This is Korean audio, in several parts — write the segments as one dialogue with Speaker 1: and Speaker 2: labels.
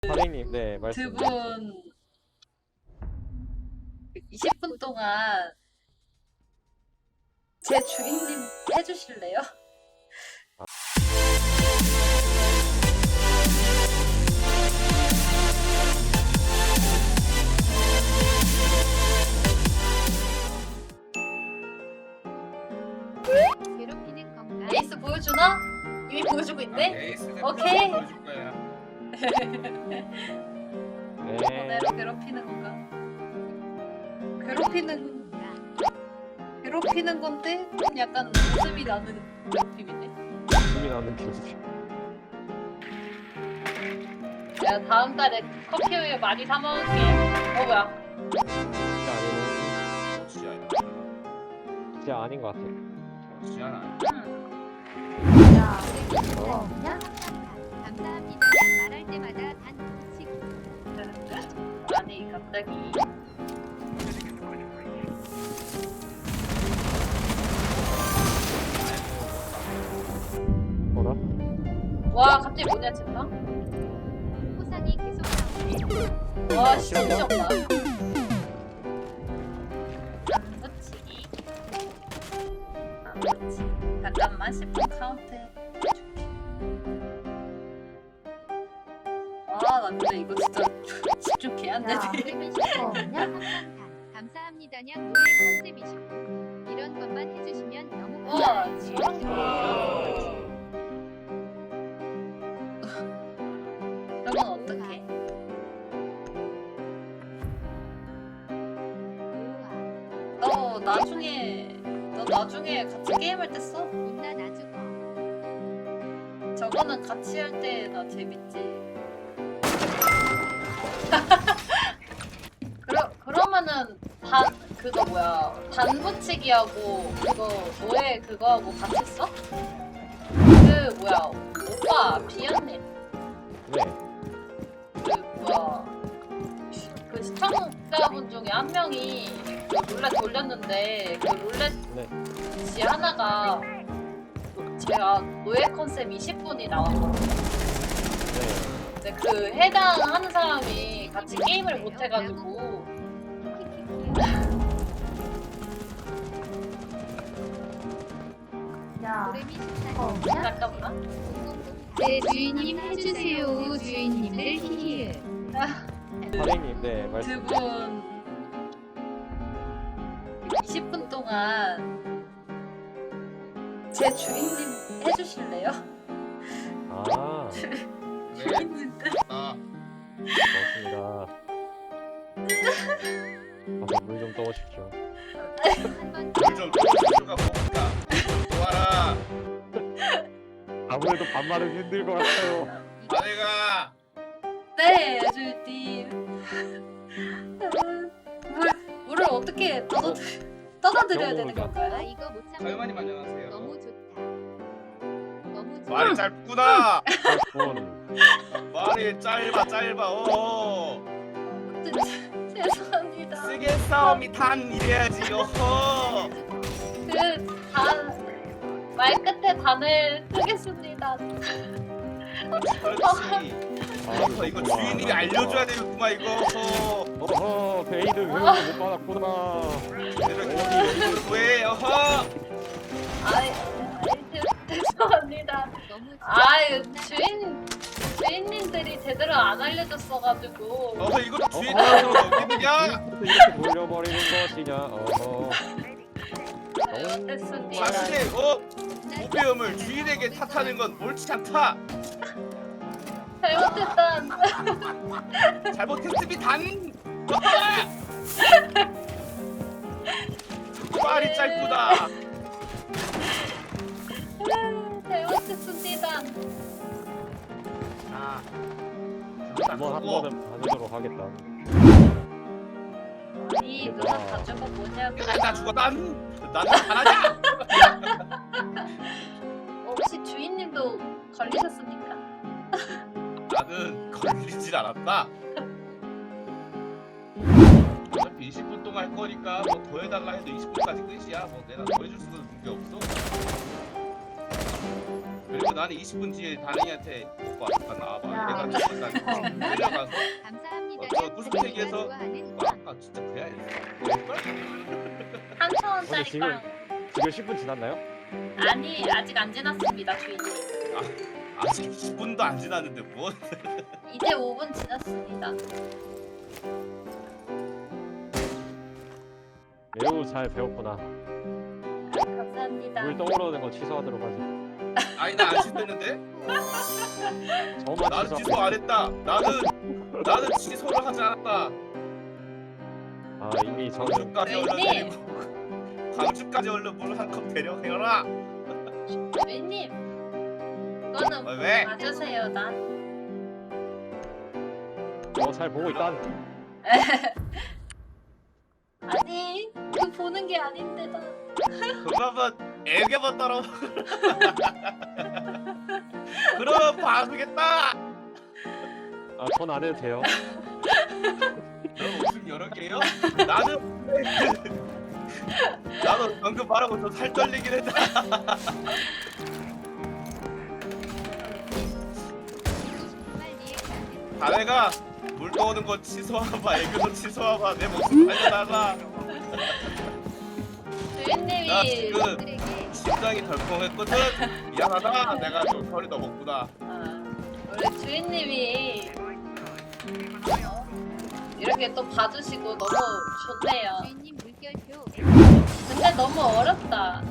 Speaker 1: 사장님, 네,
Speaker 2: 두
Speaker 1: 말씀.
Speaker 2: 분 20분 동안 제 주인님 해주실래요?
Speaker 3: 괴롭히는 건가?
Speaker 2: 에이스 보여주나? 이미 보여주고 있네?
Speaker 4: 에이스는
Speaker 2: 오케이.
Speaker 4: 보여줄 거야.
Speaker 1: 네.
Speaker 2: 너네를 괴롭히는 건가? 괴롭히는 건데 좀 약간 웃음이 나는 괴롭힘이네.
Speaker 1: 힘이 나는 기술.
Speaker 2: 내가 다음 달에 커피 우유 많이 사 먹을게. 뭐야?
Speaker 1: 진짜 아닌 것 같아.
Speaker 4: 지안아.
Speaker 3: 감사합니다. 말할 때마다 단식.
Speaker 2: 아니 갑자기
Speaker 1: 뭐라?
Speaker 2: 와 갑자기 뭐냐 진짜?
Speaker 3: 포상이 계속 나오네.
Speaker 2: 와 진짜 미쳤다. 안 붙이기. 안 붙이기. 잠깐만 10분 카운트 해줄게. 아 나 근데 이거 진짜 집중 개안 되네.
Speaker 3: 그러면 시작하면 감사합니다냐 노예 컨셉이시고 이런 것만 해주시면 너무
Speaker 2: 와
Speaker 3: 감사하지.
Speaker 2: 저런 거. 저건 어떡해? 너 나중에 같이 게임할 때 써?
Speaker 3: 존나 나주고
Speaker 2: 저거는 같이 할 때 나 재밌지. 그러면은 그거 뭐야 단붙이기하고 그거 노예 그거하고 같이 써? 그 뭐야 오빠 비연님
Speaker 1: 네.
Speaker 2: 그 뭐야 그 시청자분 중에 한 명이 그 룰렛 돌렸는데 그 룰렛
Speaker 1: 네.
Speaker 2: 지 하나가 제가 노예 컨셉 20분이 나왔거든요.
Speaker 1: 네.
Speaker 2: 근데 그 해당하는 사람이 같이 게임을 못 해가지고
Speaker 3: 고래미 식사
Speaker 2: 잠깐만.
Speaker 3: 네 주인님 해주세요 주인님들 히히
Speaker 1: 사장님, 네, 말씀.
Speaker 2: 두 분 20분 동안 제 주인님 해주실래요?
Speaker 1: 아,
Speaker 2: 주인님들
Speaker 4: 아,
Speaker 1: 고맙습니다. 가서 물 좀 떠오십시오.
Speaker 3: 한번
Speaker 4: 물좀 떠주가 뭡니까? 좋아라.
Speaker 1: 아무래도 반말은 힘들 것 같아요.
Speaker 4: 아내가
Speaker 2: 네 주인님 물을 어떻게 떠다드려야 되는
Speaker 3: 아
Speaker 2: 건가요?
Speaker 3: 이거 못 참아
Speaker 4: 사유마님 안녕하세요.
Speaker 3: 너무 좋다 너무 좋아
Speaker 4: 말이 짧구나.
Speaker 1: 분.
Speaker 4: 말이 짧아.
Speaker 2: 죄송합니다.
Speaker 4: 쓰겠사오미 단 이래야지. 어허.
Speaker 2: 말 끝에 단을 쓰겠습니다.
Speaker 4: 그렇지. 어허, 이거 주인이 알려줘야 되겠구만 이거. 어허.
Speaker 1: 어허, 베이드 회원을 못 받았구나.
Speaker 4: 이렇게 왜? 어허.
Speaker 2: 아이, 죄송합니다.
Speaker 3: 너무 좋아
Speaker 2: 아유 주인님들이 제대로 안 알려줬어가지고.
Speaker 4: 어허, 이것도 주인한테로 넘기느냐?
Speaker 1: 이렇게 돌려버리는 것이냐? 어허.
Speaker 2: 잘못했습니다.
Speaker 4: 자신의 오배움을 주인에게 탓하는 건 옳지 않다.
Speaker 2: 잘못했단.
Speaker 4: 잘못했으니 단. 말이 짧구나.
Speaker 2: 잘못했습니다.
Speaker 4: 자,
Speaker 1: 한번 한 번은 봐주도록 하겠다.
Speaker 2: 이 누나 가져가 뭐냐고.
Speaker 4: 나 죽어 나는 잘하냐?
Speaker 2: 혹시 주인님도 걸리셨습니까?
Speaker 4: 나는 걸리질 않았다. 어차피 20분 동안 할 거니까 뭐 더 해달라 해도 20분까지 끝이야. 뭐 내가 더 해줄 수는 있는 게 없어. 그리고 나는 20분 뒤에 다른이한테 와 잠깐 나와봐.
Speaker 2: 야.
Speaker 4: 내가 잠깐 끌려가서
Speaker 3: 감사합니다.
Speaker 4: 저 구석탱이에서
Speaker 3: 좋아하는
Speaker 4: 와 아까 진짜 그야 했어.
Speaker 2: 한 천
Speaker 1: 근데
Speaker 2: 원짜리
Speaker 1: 지금
Speaker 2: 빵.
Speaker 1: 지금 10분 지났나요?
Speaker 2: 아니 아직 안 지났습니다 주인님.
Speaker 4: 아직 10분도 안 지났는데 뭐?
Speaker 2: 이제 5분 지났습니다.
Speaker 1: 매우 잘 배웠구나.
Speaker 2: 감사합니다.
Speaker 1: 물 떠오르는 거 취소하도록 하지.
Speaker 4: 아니 나 안 씻었는데?
Speaker 1: 저만
Speaker 4: 나는
Speaker 1: 취소.
Speaker 4: 취소 안 했다. 나는 취소를 하지 않았다.
Speaker 1: 아 이미 저는
Speaker 4: 광주까지 얼른
Speaker 2: 네.
Speaker 4: 데리고 광주까지 얼른 물 한 컵 데려가라.
Speaker 2: 주인님 그거는
Speaker 4: 왜?
Speaker 2: 맞으세요 난.
Speaker 1: 잘 보고 있다.
Speaker 2: 아니 그 보는 게 아닌데 나.
Speaker 4: 그러면 애교만 따라. 그러면 봐주겠다.
Speaker 1: 아 전 안 해도 돼요.
Speaker 4: 너 무슨 여러 개요? 나도 방금 말하고 저 살 떨리긴 했다. 자네가 물 떠오는 거 취소하봐. 애교도 취소하봐. 내 목숨 살려달라. 나
Speaker 2: 주인님이
Speaker 4: 지금 심장이 덜컹했거든. 미안하다. 내가 좀 털이 더 먹구나.
Speaker 2: 우리 주인님이 이렇게 또 봐주시고 너무 좋네요.
Speaker 3: 주인님 물결표.
Speaker 2: 근데 너무 어렵다.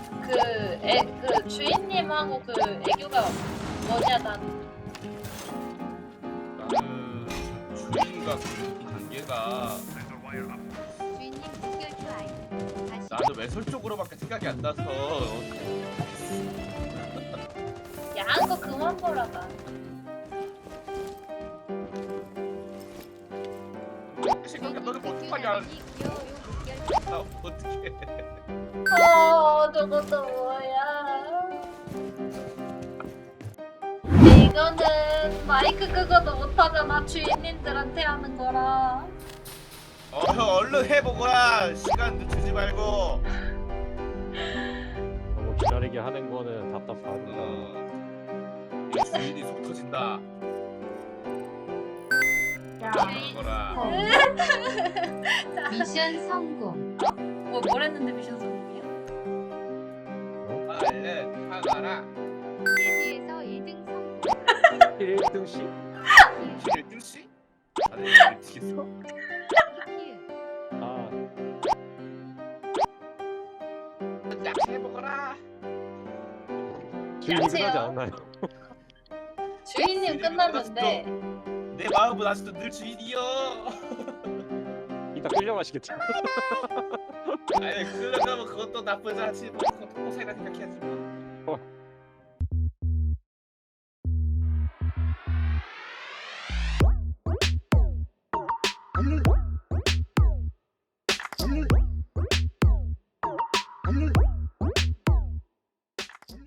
Speaker 2: 그 주인님하고 그 애교가 뭐냐 난.
Speaker 4: 나는 주인과 그 관계가
Speaker 3: 주인님 물결표 아이. 다시
Speaker 4: 나는 외설 쪽으로밖에 생각이 안 나서
Speaker 2: 야한 거 그만 보라 나.
Speaker 4: 생각해. 너는 뭐 어떡하냐.
Speaker 3: 귀여워요 물결표.
Speaker 4: 나 어떡해.
Speaker 2: 저것도 뭐야? 이거는 마이크 끄고도 못하잖아. 주인님들한테 하는 거라.
Speaker 4: 형 얼른 해보거라. 시간 늦추지 말고.
Speaker 1: 너무 기다리게 하는 거는 답답하다.
Speaker 4: 이 주인이 속 터진다. 거라.
Speaker 3: 미션 성공.
Speaker 2: 뭘 했는데 미션 성공이야?
Speaker 4: 얼른 하거라.
Speaker 3: TV에서 1등 성공.
Speaker 1: 1등 씨?
Speaker 4: 길을 뜰시? 다들 미치겠어?
Speaker 3: 키키키.
Speaker 1: 아
Speaker 4: 야 해보거라.
Speaker 1: 주인이
Speaker 2: 안녕하세요.
Speaker 1: 끝나지 않았나요?
Speaker 2: 주인님 끝났는데
Speaker 4: 내 마음은 아직도 늘 주인이여.
Speaker 1: 이따 끌려가시겠죠?
Speaker 4: 아니 끌려가면 그것도 나쁘지 않지. 뭐 그것도 고생이라 생각해야지 뭐.